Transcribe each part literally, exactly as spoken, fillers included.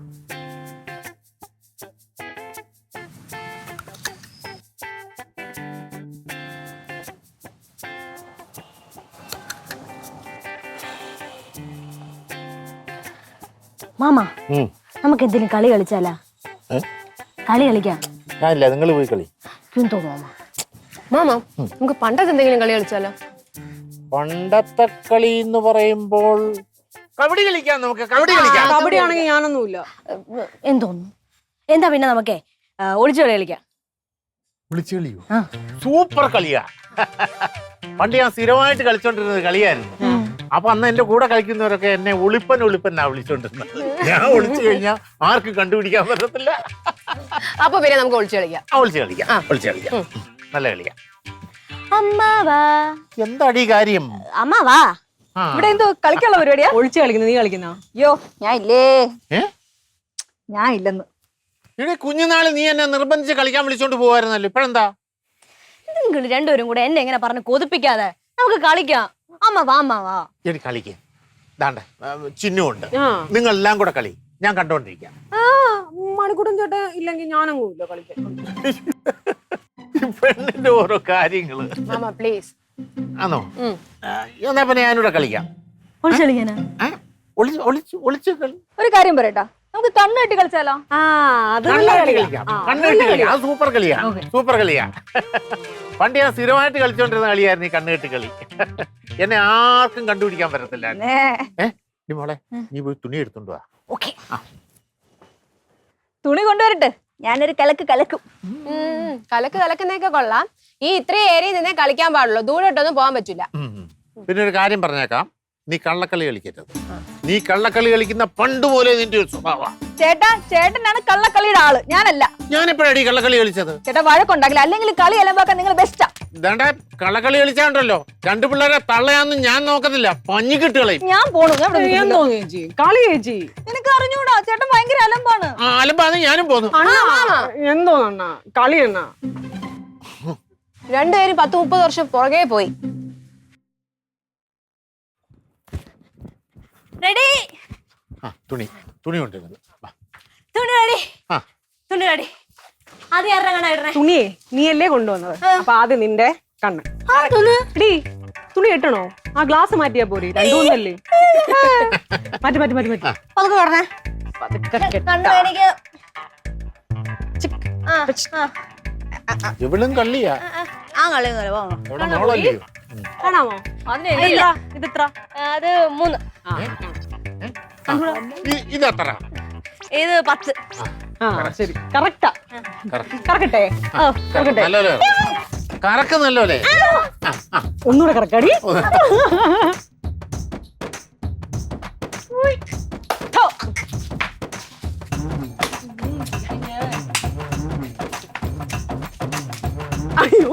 Mama നമുക്ക് എന്തെങ്കിലും കളി കളിച്ചാലാ? കളി കളിക്കാം. ഞാനില്ല, നിങ്ങൾ പോയി കളി. തോന്നുന്നു മാമ നമുക്ക് പണ്ടത്തെ എന്തെങ്കിലും കളി കളിച്ചാലോ? പണ്ടത്തെ കളി എന്ന് പറയുമ്പോൾ കബഡി കളിക്കാം. നമുക്ക് കബഡി കളിക്കാം. കബഡി ആണെങ്കിൽ ഞാനൊന്നുമില്ല. എന്തോന്നു? എന്താ പിന്നെ നമുക്കേ ഒളിച്ചു കളി കളിക്കാം. വിളിച്ചു കളിയോ? സൂപ്പർ കളിയാ. പണ്ട് ഞാൻ സ്ഥിരമായിട്ട് കളിച്ചോണ്ടിരുന്നത് കളിയായിരുന്നു. അപ്പൊ അന്ന് എന്റെ കൂടെ കളിക്കുന്നവരൊക്കെ എന്നെ ഒളിപ്പൻ ഒളിപ്പൻ ആ വിളിച്ചോണ്ടിരുന്നത്. ഞാൻ ഒളിച്ചു കഴിഞ്ഞാൽ ആർക്കും കണ്ടുപിടിക്കാൻ പറ്റത്തില്ല. അപ്പൊ പിന്നെ നമുക്ക് ഒളിച്ചു കളിക്കാം. ഒളിച്ചു കളിക്കാം. ഒളിച്ചു കളിക്കാം. നല്ല കളിയാ. അമ്മാവാ. എന്താടി കാര്യം? അമ്മാവാ, ഇവിടെ എന്തോ കളിക്കാനുള്ള പരിപാടിയാ? ഒളിച്ചു കളിക്കുന്ന നീ കളിക്കുന്ന? അയ്യോ ഞാൻ ഇല്ലേ. ഞാൻ ഇല്ലെന്ന്. ഇവിടെ കുഞ്ഞുനാള് നീ എന്നെ നിർബന്ധിച്ച് കളിക്കാൻ വിളിച്ചോണ്ട് പോവായിരുന്നല്ലോ. ഇപ്പഴെന്താ? നിങ്ങൾ രണ്ടുപേരും കൂടെ എന്നെ എങ്ങനെ പറഞ്ഞ് കൊതിപ്പിക്കാതെ നമുക്ക് കളിക്കാം. അമ്മ വാ അമ്മ വാ. എടി കളിക്കേ. ദാണ്ടെ ചിഹ്നമുണ്ട്. നിങ്ങൾ എല്ലാം കൂടെ കളി, ഞാൻ കണ്ടോണ്ടിരിക്കാം. മണിക്കൂട്ടൻ ചേട്ടൻ ഇല്ലെങ്കിൽ ഞാനങ്ങും ഇല്ല കളിക്കാൻ. പെണ്ണിന്റെ ഓരോ കാര്യങ്ങള്. മാമ പ്ലീസ്. ആണോ? എന്നാ പിന്നെ ഞാനിവിടെ കളിക്കാം. ഒളിച്ചു കളിക്കാനാ? ഒളിച്ച് ഒളിച്ച് ഒളിച്ച് കളി. ഒരു കാര്യം പറയട്ടാ, നമുക്ക് കണ്ണ് കെട്ടി കളിച്ചാലോ? കണ്ണുകെട്ടി കളിക്കാം. അത് സൂപ്പർ കളിയാ. സൂപ്പർ കളിയാ. പണ്ട് ഞാൻ സ്ഥിരമായിട്ട് കളിച്ചോണ്ടിരുന്ന കളിയായിരുന്നു ഈ കണ്ണുകെട്ടി കളി. എന്നെ ആർക്കും കണ്ടുപിടിക്കാൻ പറ്റത്തില്ല. ഏ മോളെ, നീ പോയി തുണി എടുത്തോണ്ട് വാ. ഓക്കേ. തുണി കൊണ്ടുവരട്ടെ, ഞാനൊരു കലക്ക് കലക്കും. കലക്ക് കലക്കുന്നൊക്കെ കൊള്ളാം. ഈ ഇത്രയും ഏരിയയിൽ നിന്നേ കളിക്കാൻ പാടുള്ളൂ, ദൂരോട്ടൊന്നും പോകാൻ പറ്റില്ല. പിന്നെ ഒരു കാര്യം പറഞ്ഞേക്കാം, നീ കള്ളക്കളി കളിക്കരുത്. നീ കള്ളക്കളി കളിക്കുന്ന പണ്ട് പോലെ നിന്റെ ഒരു സ്വഭാവം. ചേട്ടാ, ചേട്ടനാണ് കള്ളക്കളിയുടെ ആള്, ഞാനല്ല. ഞാൻ എപ്പോഴാണ് ഈ കള്ളക്കളി കളിച്ചത്? ചേട്ടാ വഴക്കുണ്ടാകില്ല, അല്ലെങ്കിൽ കളി അലമ്പാക്കാൻ നിങ്ങൾ ബെസ്റ്റാ. ഇതാണ്ട കള്ളക്കളി കളിച്ചാണ്ടല്ലോ, രണ്ടു പിള്ളേരെ തള്ളയാന്നും ഞാൻ നോക്കത്തില്ല, പഞ്ഞിക്കിട്ട് കളയും. ഞാൻ പോണു. കളി ചേച്ചി നിനക്ക് അറിഞ്ഞൂടാ, ചേട്ടൻ ഭയങ്കര അലമ്പാണ്. ആ അലമ്പാന്ന് ഞാനും പോന്നു. എന്തോ കളി എണ്ണ. രണ്ടുപേരും പത്ത് മുപ്പത് വർഷം പുറകെ പോയി. റെഡി? തുണി തുണി കൊണ്ടിരുന്നത്. തുണി റെഡി. തുണി റെഡി. ആദ്യം ആരുടെ കണ്ണാ ഇടണേ? തുണിയെ നീയല്ലേ കൊണ്ടുവന്നത്, അപ്പൊ ആദ്യം നിന്റെ കണ്ണ്. എടീ തുണി കെട്ടണോ? ആ ഗ്ലാസ് മാറ്റിയാ പോരെ, രണ്ടുമൂന്നല്ലേ. മാറ്റി മാറ്റി മാറ്റി മാറ്റി പതുക്കെ പറഞ്ഞേ. കണ്ണു എനിക്ക്. ഇവളും കള്ളിയാ. ആ കളി മോളല്ലയോ? കാണാമോ? ഇതെത്ര? അത് മൂന്ന്. ഇതെത്ര? ഇത് പത്ത്. ശരി, കറക്റ്റാ. കറക്കട്ടെ? നല്ലല്ലേ? കറക്ക് നല്ലല്ലേ? ഒന്നുകൂടെ കറക്കാടി. അയ്യോ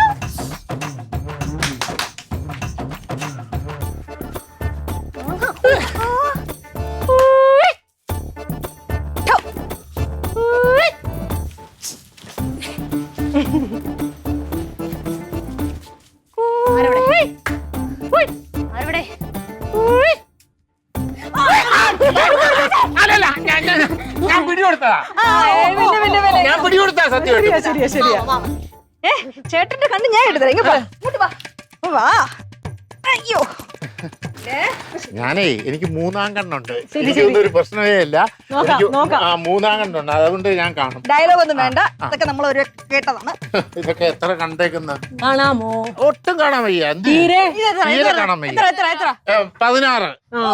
ഞാൻ പിടികൊടുത്തതാ. ഞാൻ പിടികൊടുത്താ സത്യം. ശരിയാ ശരിയാ. ഏ ചേട്ടന്റെ കണ്ണ് ഞാൻ എടുത്തരാ. അയ്യോ, ഞാനേ എനിക്ക് മൂന്നാം കണ്ണുണ്ട്. എനിക്കൊന്നും ഒരു പ്രശ്നമേ ഇല്ല. മൂന്നാം കണ്ണുണ്ട്, അതുകൊണ്ട് ഞാൻ കാണും. ഡയലോഗ് ഒന്നും വേണ്ട, ഇതൊക്കെ നമ്മൾ ഒരു കേട്ടതാണ്. ഇതൊക്കെ എത്ര കണ്ടേക്കുന്ന? കാണാമോ? ഒട്ടും കാണാൻ വയ്യ. തീരെ കാണാൻ വയ്യ. പതിനാറ്.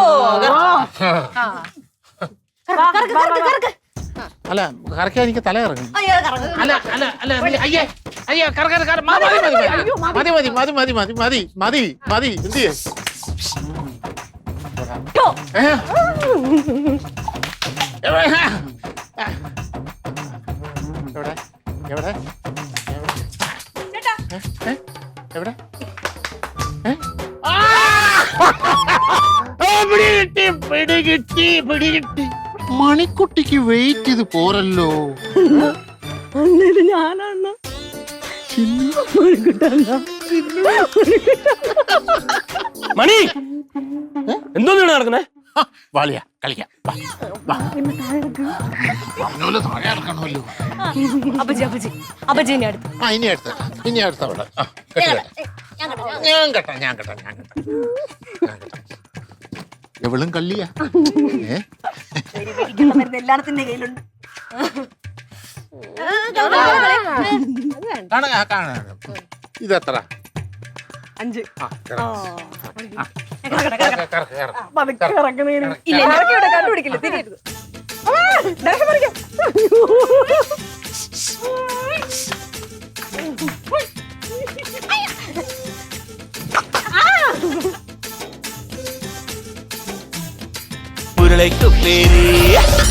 അല്ല കറക്കാൻ എനിക്ക് തല ഇറങ്ങും. അല്ല അല്ല അല്ല അയ്യേ അയ്യോ കറ മതി മതി മതി മതി മതി മതി മതി മതി മതി എന്ത് ചെയ്യേ? എവിടെ എവിടെ എവിടെ? പിടികിട്ടി പിടികിട്ടി പിടികിട്ടി. മണിക്കുട്ടിക്ക് വെയിറ്റ് ഇത് പോരല്ലോ. ഞാനാണ് മണി എന്തോന്നാണ് നടക്കുന്നേ? ആ, വാളിയാ കളിക്കാം വാ, വാ. പറഞ്ഞോലെ താഴെ ഇറക്കണമല്ലോ. അപ്പച്ചി അപ്പച്ചി അപ്പച്ചിനെ അടുത്ത് ആ ഇനി അടുത്ത ഇനി അടുത്ത അവിടെ ആ, കെട്ടി കെട്ടാം. ഞാൻ കെട്ടാം ഞാൻ കെട്ടാം ഞാൻ കെട്ടാം ഞാൻ കെട്ടാം. എവളും കള്ളിയാ ഏ എല്ലാത്തിന്റെ കയ്യിലുണ്ട് കാണാ കാണാ ഇതെത്ര അഞ്ച് ആ, കെറ. ആ, കറക്കട്ടെ, കറക്കട്ടെ. കെറ, കെറ. പതുക്കെ ഇറങ്ങണേന്. ഇല്ല ഇല്ല, ഇവിടെ കണ്ടുപിടിക്കില്ല തിരിയരുത് ദേഷ്യം പിടിക്കും. ഉരുളയ്ക്കു പേര്